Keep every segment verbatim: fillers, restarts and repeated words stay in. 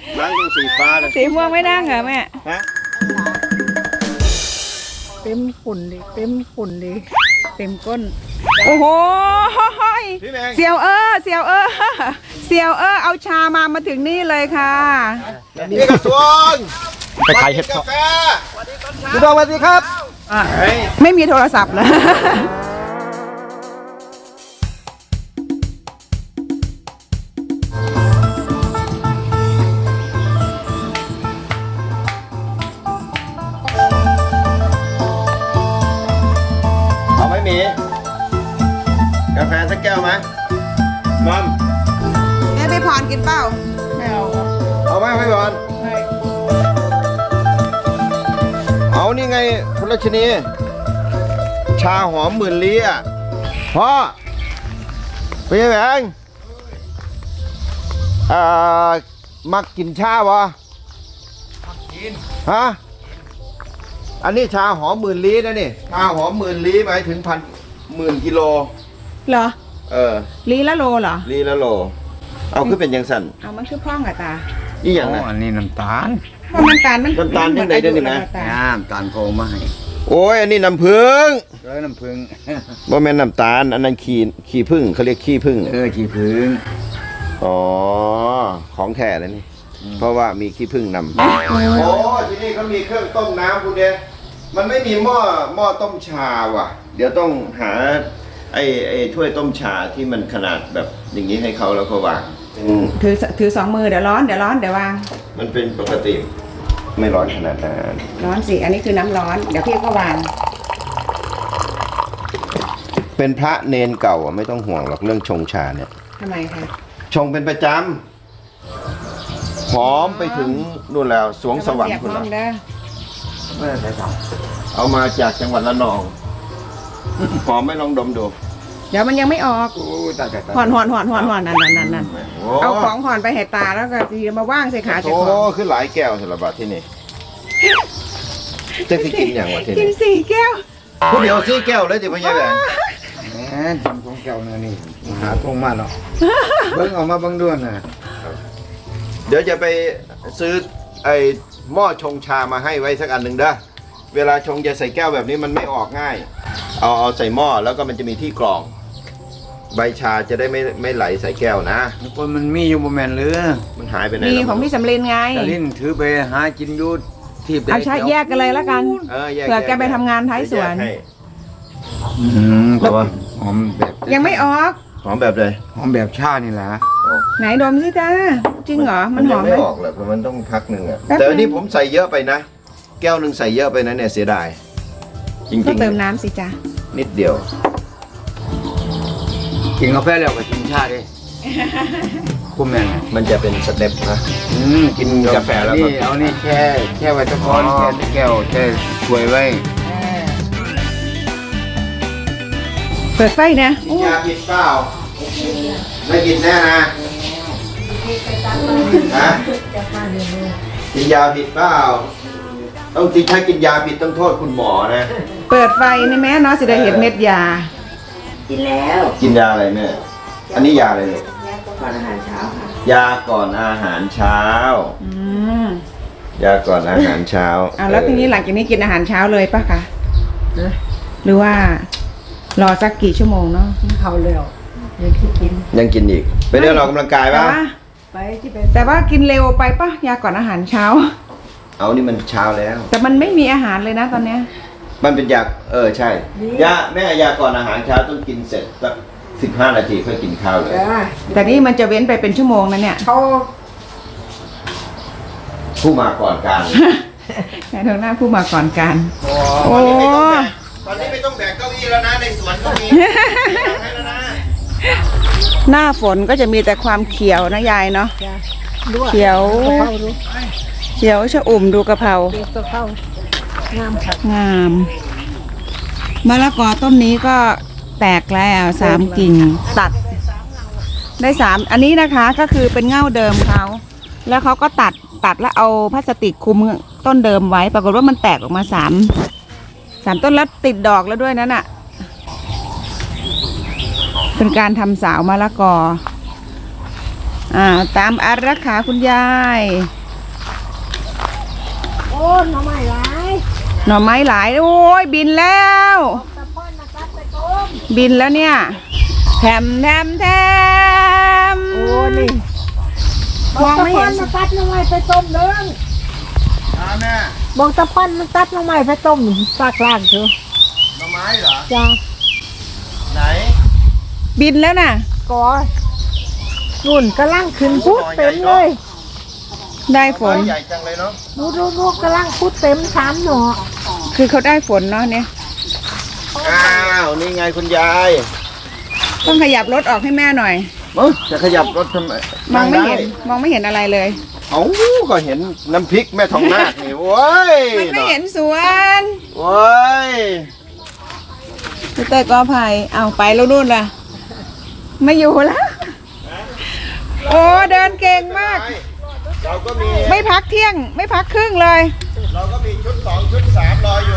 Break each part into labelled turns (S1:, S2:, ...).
S1: นั่งตรงสีฟ้าเลย
S2: สีม่วงไม่นั่งเหรอแม่
S1: ฮะ
S2: เต็มฝุ่นดิเต็มฝุ่นดิเต็มก้นโอ้โหเสี่ยวเออเสี่ยวเออเสี่ยวเออเอาชามามาถึงนี่เลยค่ะ
S1: นี่กระทรวงไปขายเห็ดกาแฟพี่ดองสวัสดีครับ
S2: ไม่มีโทรศัพท์เลย
S1: เอาไหมหมีกาแฟสักแก้วไหมมัม
S2: แม่ไปพรกินเปล่าไม่เอา
S1: เอาไหมพี่บอลเอานี่ไงคุณรัชนีชาหอมหมื่นลี้อ่ะพ่อเป็นยังไงอ่ามักกินชาบ่มักกินฮะอันนี้ชาหอมหมื่นลี้นะนี่ชาหอมหมื่นลี้หมายถึงพันหมื่นกิโล
S2: เหรอ
S1: เออ
S2: ลีละโลเหรอ
S1: ลีละโลเอาขึ้นเป็นยังสั่น
S2: เอามันชื่อพ่องอะตา
S1: อีอย่างนะ
S3: อันนี้น้ำตาล
S2: เพราะน้ำตาลมัน
S1: น้ำตาลยังไงได้นี่นะ
S3: น้ำตาลโคมาให้
S1: โอ้ยอันนี้น้ำผึ้ง
S3: เออน้ำผึ้ง
S1: บ่แม่นน้ำตาลอันนั้นขี้ขี้ผึ้งเขาเรียกขี้ผึ้ง
S3: เออขี้ผึ้ง
S1: อ๋อของแท้เลยนี่เพราะว่ามีขี้ผึ้งนำโอ้ที่นี่เขามีเครื่องต้มน้ำคุณเดมันไม่มีหม้อหม้อต้มชาว่ะเดี๋ยวต้องหาไอ้ไอ้ถ้วยต้มชาที่มันขนาดแบบอย่างนี้ให้เขาแล้วก็วาง
S2: ถือถือสองมือเดี๋ยวร้อนเดี๋ยวร้อนเดี๋ยววาง
S1: มันเป็นปกติไม่ร้อนขนาดนั้น
S2: ร้อนสิอันนี้คือน้ำร้อนเดี๋ยวพี่ก็วาง
S1: เป็นพระเนนเก่าอ่ะไม่ต้องห่วงหรอกเรื่องชงชาเนี่ย
S2: ทำไมคะ
S1: ชงเป็นประจำหอมไปถึงนู่นแล้วสวงสวรรค์คุณละเอามาจากจังหวัดละนองหอมไม่ลองดมดู
S2: เดี๋ยวมันยังไม่ออกห่อนห่อนห่อนห่อนห่อนนั่นนั่นนั่นนั่นเอาของห่อนไปให้ตาแล้วก็ทีมาว่างใส่ขาเจ้าของ
S1: โอ้ขึ้นหลายแก้วสารบัดที่นี่จะกินอย่างวะที่นี่
S2: กินสี่แก้ว
S1: คุณเดียวสี่แก้วเลยจิ๋วพญาแหวน
S3: แหมทำของแก้วเนี่ยนี่หาตรงมาเนาะเบิ้งออกมาเบิ้งด้วยนะ
S1: เดี๋ยวจะไปซื้อไอ้หม้อชงชามาให้ไว้สักอันหนึ่งเด้อเวลาชงจะใส่แก้วแบบนี้มันไม่ออกง่ายเอาเอาใส่หม้อแล้วก็มันจะมีที่กรองใบชาจะได้ไม่ไม่ไหลใส่แก้วนะ
S3: คนมันมีอยู่บนแมนหรือ
S1: มันหายไปไหน
S2: มีของพี่สำลินไง
S3: สำลินถือไปหากินยูที่
S2: เอาใช้แยกกันเลยแล้วกันเผื่อแกไปทำงานท้ายสวน
S3: อืมแต่ว่าหอมแบบ
S2: ยังไม่ออก
S1: หอมแบบเลย
S3: หอมแบบชานี่แหละ
S2: ไหนดมสิจ้าจริงเหรอมันหอมไหม
S1: ไม่ออกเลยเพราะมันต้องพักหนึ่งอะแต่อันนี้ผมใส่เยอะไปนะแก้วหนึ่งใส่เยอะไปนะเนี่ยเสียดายจริงๆ
S2: ก็เติมน้ำสิจ้า
S1: นิดเดียว
S3: กินกาแฟแล้วก็กินชาดิคุ้มแม่
S1: มันจะเป็นสเต็ปนะกินกาแฟแล้ว
S3: นี่เอานี่แค่แค่ไว้ตะกอนแค่แก้วแค่ถ้วยไว้
S2: เปิดไฟนะ
S1: กินยาผิดเปล่าไม่กินแน่นะฮะกินยาผิดเปล่าต้องจริงถ้ากินยาผิดต้องโทษคุณหมอนะ
S2: เปิดไฟนี่แม่เนาะสิได้เห็นเม็ดยา
S4: กินแล้ว
S1: กินยาอะไรแม่อันนี้ยาอะไรลูก
S4: ก่อนอาหารเช้าค่ะ
S1: ยาก่อนอาหารเช้า
S2: อืม
S1: ยาก่อนอาหารเช้า
S2: เอาแล้วทีนี้หลังจากนี้กินอาหารเช้าเลยป่ะคะหรือว่ารอสักกี่ชั่วโมงเนาะ
S4: เขาเร็วยังกิน
S1: ยังกินอีกไปเดินออกกำลังกายป่ะ
S4: ไปที่ไป
S2: แต่ว่ากินเร็วไปป่ะยาก่อนอาหารเช้า
S1: เอานี่มันเช้าแล้ว
S2: แต่มันไม่มีอาหารเลยนะตอนเนี้ย
S1: มันเป็นยาเออใช่ยาแม่ยาก่อนอาหารเช้าต้องกินเสร็จสักสิบห้านาทีค่อยกินข้าวเลย
S2: แต่นี่มันจะเว้นไปเป็นชั่วโมงนะเนี่ย
S4: เขา
S1: ผู้มาก่อนการ
S2: แค่ทางหน้าผู้มาก่อนการโอ้
S1: ตอนนี้ไม่ต้องแบกเก้าอี้แล้วนะในสวนก็มีให้แล้วนะ
S2: หน้าฝนก็จะมีแต่ความเขียวนะยายเนาะเขียวเขียวชะอุ่มดูกะเพรางามค่ะงามมะละกอต้นนี้ก็แตกแล้วสามกิ่งตัดได้สามอันนี้นะคะก็คือเป็นเง่าเดิมเขาแล้วเขาก็ตัดตัดแล้วเอาพลาสติกคลุมต้นเดิมไว้ปรากฏว่ามันแตกออกมาสามสามต้นแล้วติดดอกแล้วด้วยนั่นน่ะเป็นการทำสาวมะละกออ่าตามอารักขาคุณยาย
S4: โอ้หน่อไม้หลาย
S2: หน่อไม้หลายโอ้ยบินแล้ว
S4: ตะป้อนนะตัดไปต้ม
S2: บินแล้วเนี่ยแถมแถมแถม
S4: โอ้นี่
S2: มองไม่เห็น
S4: บอกตะป้อนนะตัดหน่อไม้ไปต้มเด้อ
S1: อ่าแม่
S4: บอกตะป้อนนะตัดหน่อไม้ไปต้มซากล่างเถอะ
S1: หน่อไม้เหรอ
S4: จ้า
S1: ไหน
S2: บินแล้วน่ะ
S4: ก่อนุ่นกำลังขึ้นพุดเต็มเลย
S2: ได้ฝน
S1: ใหญ่จังเลยเนาะ
S4: ดูดูดูกำลังพุดเต็มสามหน่อ
S2: คือเขาได้ฝนเนาะเนี่ย
S1: อ้าวนี่ไงคุณยาย
S2: ต้องขยับรถออกให้แม่หน่อย
S1: เอ้ยจะขยับรถทำไม
S2: มองไม่เห็น
S1: ด้
S2: มองไม่เห็นอะไรเลย
S1: เอ้าก็เห็นน้ำพริกแม่ทองนาคนี่โว้ย
S2: มันไม่เห็นสวน
S1: โว้ย
S2: พี่เต้ยกอไผ่เอาไปแล้วนู่นล่ะ ไม่อยู่แล้ว โอ้เดินเก่งมาก
S1: เราก็มี
S2: ไม่พักเที่ยง ไม่พักครึ่งเลย
S1: เราก็มีชุดสองชุดสามรออยู่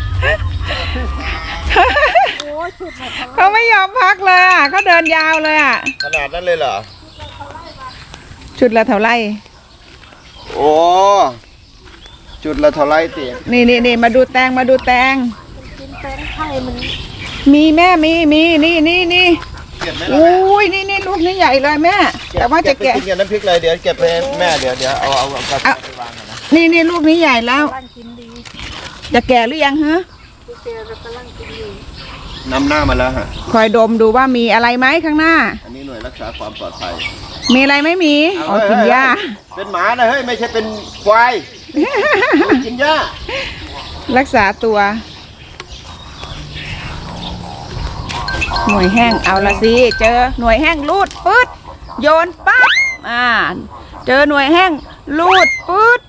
S2: เขาไม่ยอมพักเลยอ่ะเขาเดินยาวเลยอ่ะ
S1: ขนาดนั้นเลยเหรอ
S2: ชุดละเท่าไหร่
S1: โอ้จุดละเท่าไรติ
S2: นี่นี่นี่มาดูแตงมาดูแตง
S4: กินแป้งไข่มัน
S2: มีแม่มีมีนี่นี่นี่
S1: เก็บไหม
S2: โอ้ยนี่นี่ลูกนี่ใหญ่เลยแม่ แต่ว่าจะ
S1: ไป
S2: แกะ
S1: กินกับน้ำพริกเลยเดี๋ยวเก็บไปให้แม่เดี๋ยวเดี๋ยวเอาเอาเอากระ
S2: เอา
S1: ไปวางก่อนนะ
S2: นี่นี่ลูกนี้ใหญ่แล้ว
S4: กำลังกินดี
S2: จะแก่หรือยังฮะ
S4: พี่เจเรากำลังกินดี
S1: นำหน้ามาแล้วฮะ
S2: คอยดมดูว่ามีอะไรไหมข้างหน้า
S1: อันนี้หน่วยรักษาความปลอดภัย
S2: มีอะไรไม่มีอ๋อกินหญ้า
S1: เป็นหมานะเฮ้ยไม่ใช่เป็นควายกินหญ้า
S2: รักษาตัว หน่วยแห้งเอาละสิเจอหน่วยแห้งรูดปื๊ดโยนปั๊บอ่าเจอหน่วยแห้งรูดปื๊ด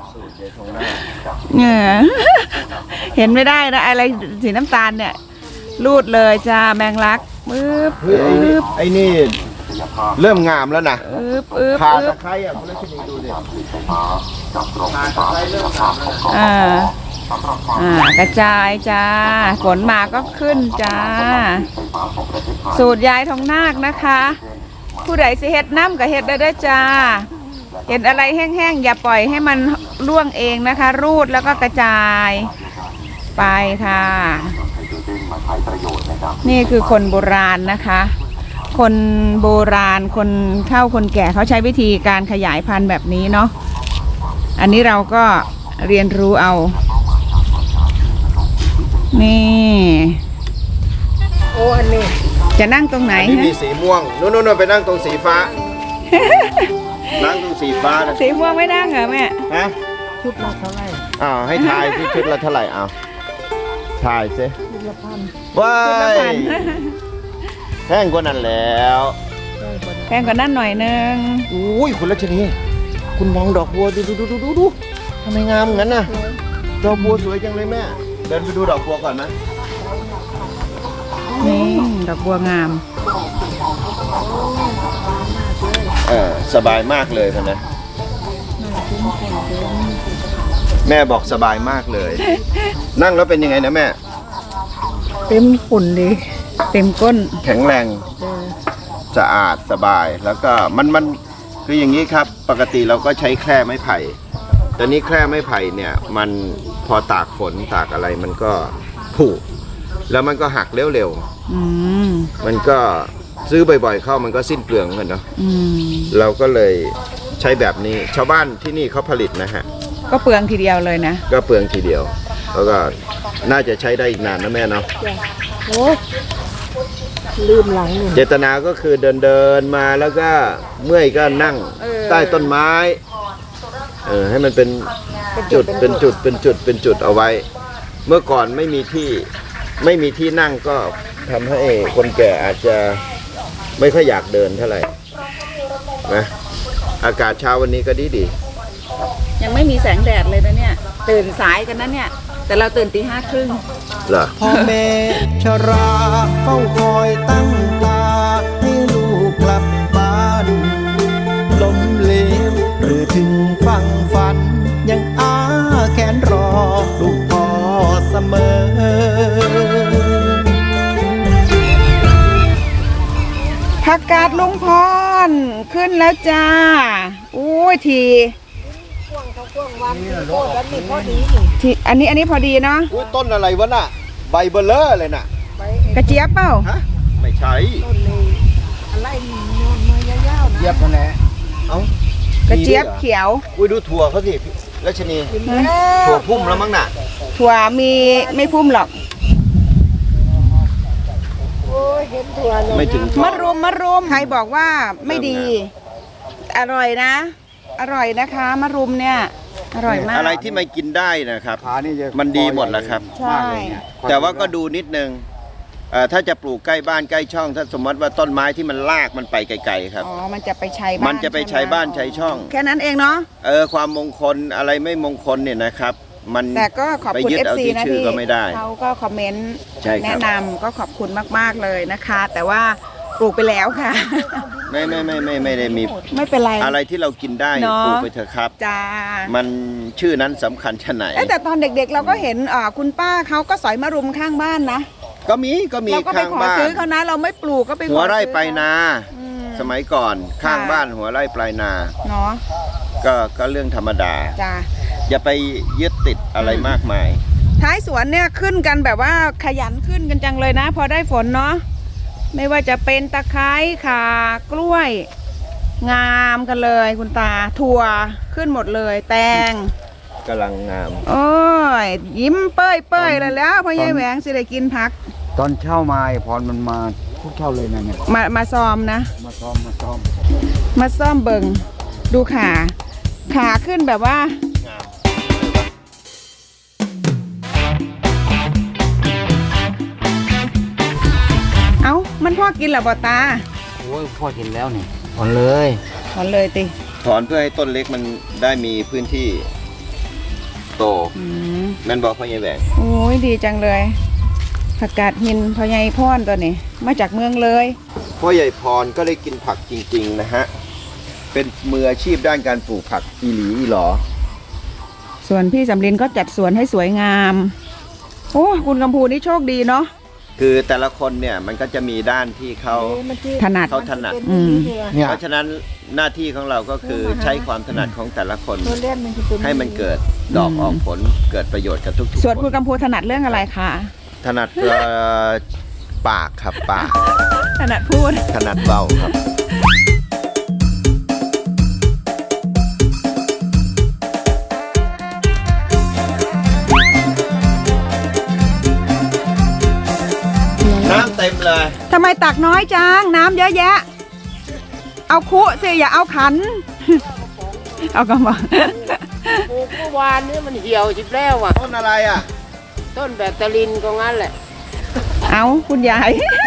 S2: เนี่ย เห็นไม่ได้นะอะไรสีน้ำตาลเนี่ยรูดเลยจ้าแมงลักปึ๊บ
S1: เฮ้ยไอ้นี่
S2: ปึ๊บ
S1: ไอ้นี่เริ่มงามแล้วนะ
S2: ปึ๊บปึ๊บ
S1: ขา
S2: ปึ๊
S1: ตะ
S2: บ
S1: ไคร้อ่ะคุณรัชนีดูดิขาตะไคร้เริ่มงามแล้วนะ
S2: อ่าอ่ากระจายจ้าฝนมาก็ขึ้นจ้า สูตรยายทองนาคนะคะ ผู้ใดสิเฮ็ดน้ำกับเฮ็ดได้ด้วยจ้า เห็นอะไรแห้งๆอย่าปล่อยให้มันร่วงเองนะคะ รูดแล้วก็กระจายไปค่ะ นี่คือคนโบราณนะคะ คนโบราณคนเฒ่าคนแก่เขาใช้วิธีการขยายพันธุ์แบบนี้เนาะอันนี้เราก็เรียนรู้เอา นี่
S4: โอ้อันนี้
S2: จะนั่งตรงไหน
S1: อันนี้
S2: ฮะ
S1: มีสีม่วงนู่นๆๆไปนั่งตรงสีฟ้า นั่งตรงสีฟ้านะ
S2: สีม่วงไม่นั่งเหรอแม่
S1: ฮะ
S4: ชุดละเท่าไหร่
S1: อ้าวให้ทายที่ชุดละเท่าไหร่เอาทายซิ
S4: ชุดละพัน
S1: ว้า
S2: ชุดละ
S1: ย
S2: พัน
S1: แห้งกว่านั้นแล้ว
S4: ได้คน
S2: แพงกว่านั้นหน่อยนึง
S1: อุ้ยคุณรัชนีคุณมองดอกบัวดูดูดูดูดูดูทำไมงามงั้นน่ะดอกบัวสวยจังเลยแม่เดินไปดูดอกบัวก่อนนะ
S2: นี่ดอกบัวงาม
S1: เออสบายมากเลยคนนะแม่บอกสบายมากเลย นั่งแล้วเป็นยังไงนะแม่
S4: เต็มฝุ่นดี
S2: เต็มก้น
S1: แข็งแรง
S4: เออ
S1: สะอาดสบายแล้วก็มันมันคืออย่างนี้ครับปกติเราก็ใช้แคร่ไม้ไผ่แต่นี้แคร่ไม้ไผ่เนี่ยมันพอตากฝนตากอะไรมันก็ผุแล้วมันก็หักเร็ว
S2: อืม
S1: ๆมันก็ซื้อบ่อยๆเข้ามันก็สิ้นเปลืองเหมือนกันเนาะ
S2: อืม
S1: เราก็เลยใช้แบบนี้ชาวบ้านที่นี่เขาผลิตนะฮะ
S2: ก็เปลืองทีเดียวเลยนะ
S1: ก็เปลืองทีเดียว แล้วก็น่าจะใช้ได้อีกนานนะแม่เนาะ
S4: โอ้ลืมหลังนี่
S1: เจตนาก็คือเดินเดินๆมาแล้วก็เมื่อยก็นั่ง
S2: เออ
S1: ใต้ต้นไม้เออให้มันเป็นจุดเป็นจุดเป็นจุดเป็นจุดเอาไว้ เมื่อก่อนไม่มีที่ไม่มีที่นั่งก็ทำให้คนแก่อาจจะไม่ค่อยอยากเดินเท่าไหร่นะอากาศเช้าวันนี้ก็ดีดี
S2: ยังไม่มีแสงแดดเลยนะเนี่ย ตื่นสายกันนะเนี่ย แต่เราตื่นตีห้าครึ่ง
S1: ๆเหรอ
S5: พ่อแม่ชราเฝ้าคอยตั้งตาให้ลูกกลับบ้านล้มเหลวหรือถึงฟังฝัน ยังอาแขนรอลูกพ่อเสมอ
S2: ถ้าผักกาดลุงพรขึ้นแล้วจ้าอุ้ยทีทีอันนี้อันนี้พอดีเนาะ
S1: อุ้ยต้นอะไรวะน่ะใบเบลเลอร์เลยน่ะ
S2: กระเจี๊ยบเปล่า
S1: ฮะไม่ใช่
S3: เยียบกันแหละ
S1: เอ้าก
S2: ระเจี๊ยบเขียว
S1: อุ้ยดูถั่วเขาสิรัชนีถั่วพุ่มแล้วมั้งน่ะ
S2: ถั่วมีไม่พุ่มหรอก
S1: ไม่ถึง
S2: มะรุมมะรุมใครบอกว่าไม่ดี อร่อยนะ อร่อยนะคะมะรุมเนี่ยอร่อยมาก
S1: อะไรที่มันกินได้นะครับ
S3: ขานี่จะ
S1: มันดีหมดแหละครับ
S2: ใช่
S1: แต่ว่าก็ดูนิดนึงเอ่อถ้าจะปลูกใกล้บ้านใกล้ช่อง ถ้าสมมติว่าต้นไม้ที่มันลากมันไปไกลๆครับ
S2: อ๋อมันจะไปใช้บ้าน
S1: มันจะไปใช้บ้านใช้ช่อง
S2: แค่นั้นเองเนาะ
S1: เออความมงคลอะไรไม่มงคลเนี่ยนะครับ มัน
S2: แต่ก็ขอบ
S1: ไป
S2: คุณ
S1: ยึด
S2: เอฟ
S1: เอา
S2: ซี
S1: ที่
S2: นะ
S1: ชื่อ
S2: ที่
S1: ก็ไม่ได้
S2: เขาก็คอมเมนต์
S1: ใช่ครับ
S2: แนะนำก็ขอบคุณมากๆเลยนะคะ แต่ว่าปลูกไปแล้วค่ะ
S1: ไม่ไม่ไม่ไม่ไม่ได้มี
S2: ไม่เป็นไร
S1: อะไรที่เรากินได้
S2: เนอะ
S1: ปลูกไปเถอะครับ
S2: จ้า
S1: มันชื่อนั้นสำคัญชะไหน
S2: เอ้ยแต่ตอนเด็กๆเราก็เห็นอ่าคุณป้าเขาก็สอยมะรุมข้างบ้านนะ
S1: ก็มีก็มี
S2: เราก็ไป
S1: ข้าง
S2: ขอ
S1: บ้าน
S2: ซื้อเขานะ เราไม่ปลูกก็ไปขอ
S1: หัวไร่
S2: ซื้อ
S1: ปลายนา
S2: อืม
S1: สมัยก่อนข้าง
S2: ค่ะ
S1: บ้านหัวไร่ปลายนา
S2: เนาะ
S1: ก็ก็เรื่องธรรมดา
S2: จ้า
S1: อย่าไปยึดติดอะไรมากมาย
S2: ท้ายสวนเนี่ยขึ้นกันแบบว่าขยันขึ้นกันจังเลยนะ พอได้ฝนเนาะไม่ว่าจะเป็นตะไคร้ข่ากล้วย งามกันเลยคุณตาถั่วขึ้นหมดเลยแตง
S1: กำลังงาม
S2: โอ้ยยิ้มเป้ยเป้ยเลยแล้วพ่อใหญ่แหวงสิได้กินผัก
S3: ตอนเช่ามาไอ้พรมันมาทุกเช่าเลยนะเนี่ย
S2: มามาซ้อมนะ
S3: มาซ้อมมาซ้อม
S2: มาซ่อมเบิงดูขาขาขึ้นแบบว่า
S1: งาม
S2: เอ้ามันพ่อกินเหรอบอตา
S3: โอ้ยพ่อเห็นแล้วนี่พรเลย
S2: ถอนเลยติ
S1: ถอนเพื่อให้ต้นเล็กมันได้มีพื้นที่โต
S2: อืม
S1: แม่นบอกพ่อใหญ่แหวง
S2: โอ้ยดีจังเลยผักกาดหินพ่อใหญ่พ่อนตัวนี้มาจากเมืองเลย
S1: พ่อใหญ่พรก็ได้กินผักจริง ๆ นะฮะ เป็นมืออาชีพด้านการปลูกผักอีหลีอีหลอ
S2: ส่วนพี่สำลินก็จัดสวนให้สวยงามโอ้คุณกำพูนี่โชคดีเนาะ
S1: คือแต่ละคนเนี่ยมันก็จะมีด้านที่เขา
S2: ถนัด
S1: เขาถนัด
S2: อืม
S3: เนี่ย
S1: เพราะฉะนั้นหน้าที่ของเราก็คือใช้ความถนัดของแต่ละคน ให้มันเกิดดอกออกผลเกิดประโยชน์กับทุกๆ
S2: ส่วน
S1: ค
S2: คุณ
S1: น
S2: กำพูถนัดเรื่องอะไรคะ
S1: ถนัดเอ่อปากครับปาก
S2: ถนัดพูด
S1: ถนัดเบาครับ น้ำเต็มเลย
S2: ทำไมตักน้อยจังน้ำเยอะแยะ เอาคุสิอย่าเอาขัน เอากระบอก
S6: ปลูกเมื่อวานนี้มันเหี่ยวจิบแล้วอ่ะ
S1: ต้นอะไรอ่ะ
S6: ต้นแบตเตอรินก็งั้นแหละ
S2: เอาคุณยาย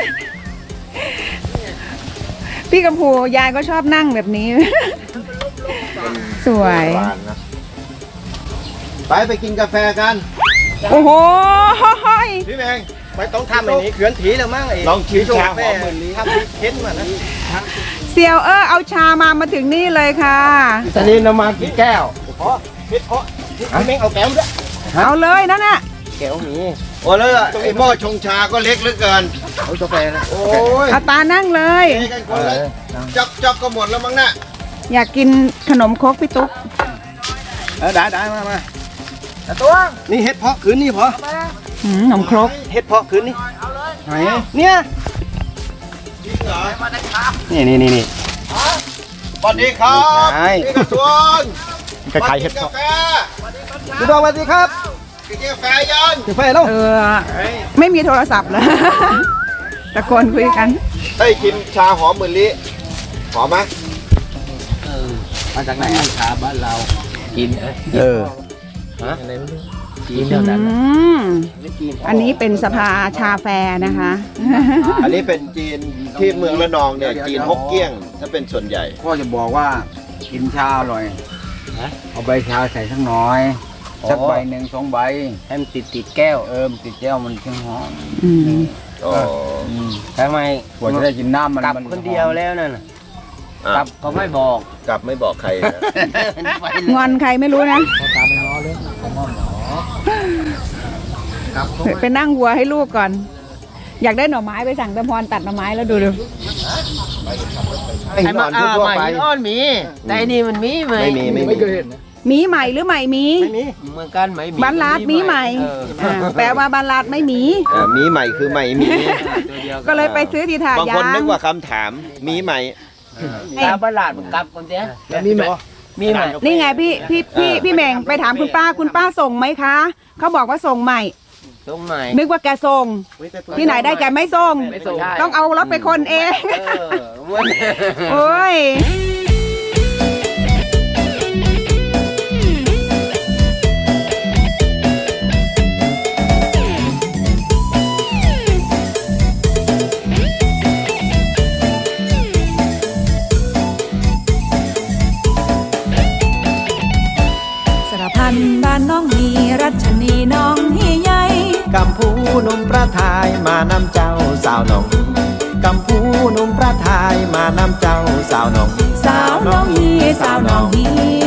S2: พี่กำพูยายก็ชอบนั่งแบบนี้ สวย
S1: ไปไปกินกาแฟกัน
S2: โอ้โห
S1: พี่แมง
S6: ไม่ต้องทำอย่างนี้เขือนถีแล้วมั้งไอ้
S1: ลองชิมชาหอมเหมือนนี้
S6: ทำพริกเค็นมานะ
S2: เซียวเออเอาชามามาถึงนี่เลยค่ะ
S6: ตอนนี้น้ำมากี่แก้วเพราะเพชรเพราะพี่แม่งเอาแก้วด้วย
S2: เอาเลยนั่นน่ะ
S6: แก้วมี
S1: โอ้แล้วไอ้หม้อชงชาก็เล็กเหลือเกิน
S6: เอากาแฟนะ
S1: โอ้ย
S2: เอาตานั่งเลย
S1: เทกันคนละจอกจอกก็หมดแล้วมั้งน่ะ
S2: อยากกินขนมครกพี่ตุ๊ก
S6: เออได้ได้มามาแต่ตัวนี่เห็ดเพาะคืนนี่พอ
S2: หืมขนมครก
S6: เห็ดเพาะคืนนี่
S3: ไหน
S6: เนี่ย
S1: จริงเหรอ
S6: นี่นี่นี่นี่
S1: สวัสดีครับ
S6: ใช่
S1: พี่กระทรวง
S6: ก็ขายเห็ด
S1: กา
S6: เพาะ
S1: แฟ
S6: คุณดองสวัสดีครับ
S1: กินกาแฟยัน
S6: กาแฟแล้ว
S2: เออ ไม่มีโทรศัพท์เลย ตะโกนคุยกัน
S1: เฮ้ยกินชาหอมเหมือนลิหอมไหม
S6: มาจากไหนอ่ะชาบ้านเรากิน
S3: เออ
S6: ฮะอะไรไม่รู้กิน
S2: อื
S6: เท่านั้น
S2: มอันนี้เป็นสภาชาแฟนะคะ
S1: อันนี้เป็นจีนที่เมืองระนองเนี่ยจีนฮกเกี้ยงถ้าเป็นส่วนใหญ่
S3: พ่อจะบอกว่ากินชาอร่อยเอาใบชาใส่สักหน่อยสักใบหนึ่งสองใบ
S6: ให้มันติดติดแก้ว
S3: เออมันติดแก้วมันจึงหอม
S2: อืม
S1: อ๋อ
S3: อืม
S6: ทำไม
S3: กว่าจะได้กินน้ำมัน
S6: กลับ
S3: มัน
S6: คนเดียวแล้วนั่นน่ะ
S1: อ่ะ
S6: กลับก็ไม่บอก
S1: กลับไม่บอกใครนะ
S2: งอนใครไม่รู้นะ
S6: ตามไปง้อเลยผมว่าหมอ
S2: ไปนั่งวัวให้ลูกก่อน อยากได้หน่อไม้ไปสั่งตะพรตัดหน่อไม้แล้วดูดู
S1: ไอ้หินอ่อนทั่วๆไป
S7: อ่อนมี แต่อันนี้มันมีไหม
S1: ไม่มีไม่มี
S2: หมีใหม่หรือใหม่หมี
S7: เหมือนกันไหมมี
S2: บันลาดหมีใหม่
S7: เออ
S2: อ่าแปลว่าบันลาดไม่หมี
S1: เอ่อมีใหม่คือใหม่มี
S7: ตัวเดียว
S2: ก็เลยไปซื้อที่ถาด
S1: บาง
S2: ยา
S1: คนนึ
S2: ง
S1: กว่าคำถามมีใหม่
S7: ตาประหลาดมันกลับคนเดียวมีไหมมีไหม
S2: นี่ไงพี่พี่พี่พี่แมงไปถามคุณป้าคุณป้าส่งไหมคะเขาบอกว่าส่งใหม่
S7: ตรงไหน
S2: นึกว่าแกส่ง ที่ไหนได้แกไม่ส่ง
S7: ไม่ส่ง
S2: ต้องเอารถไปคนเอง
S7: เออมัน
S2: โอ้ย
S8: สารพันบ้านน้องฮีรัชนีน้องฮีใหญ่
S5: กำพูหนุ่มประทายมานำเจ้าสาวหนองกำพูหนุ่มประทายมานำเจ้าสาวหนอง
S8: สาวน้องฮีสาวน้องฮี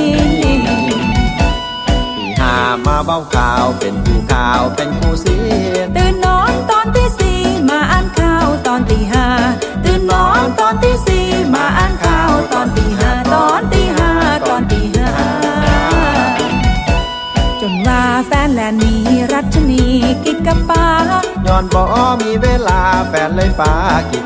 S5: ปีหามาเบ้าข่าวเป็นผู้ข่าวเป็นผู้เสียน
S8: ตื่นนอนตอนที่สี่มาอ่านข่าวตอนตีห้าตื่นนอนตอนที่สี่มาอ่านข่าวตอนตีห้าตอนตีห้าตอนตีห้าจนว่าแฟนแลนหนี้รัชนีกิดกับป้า
S5: ย้อนบ่มีเวลาแฟนเลยฝากกิ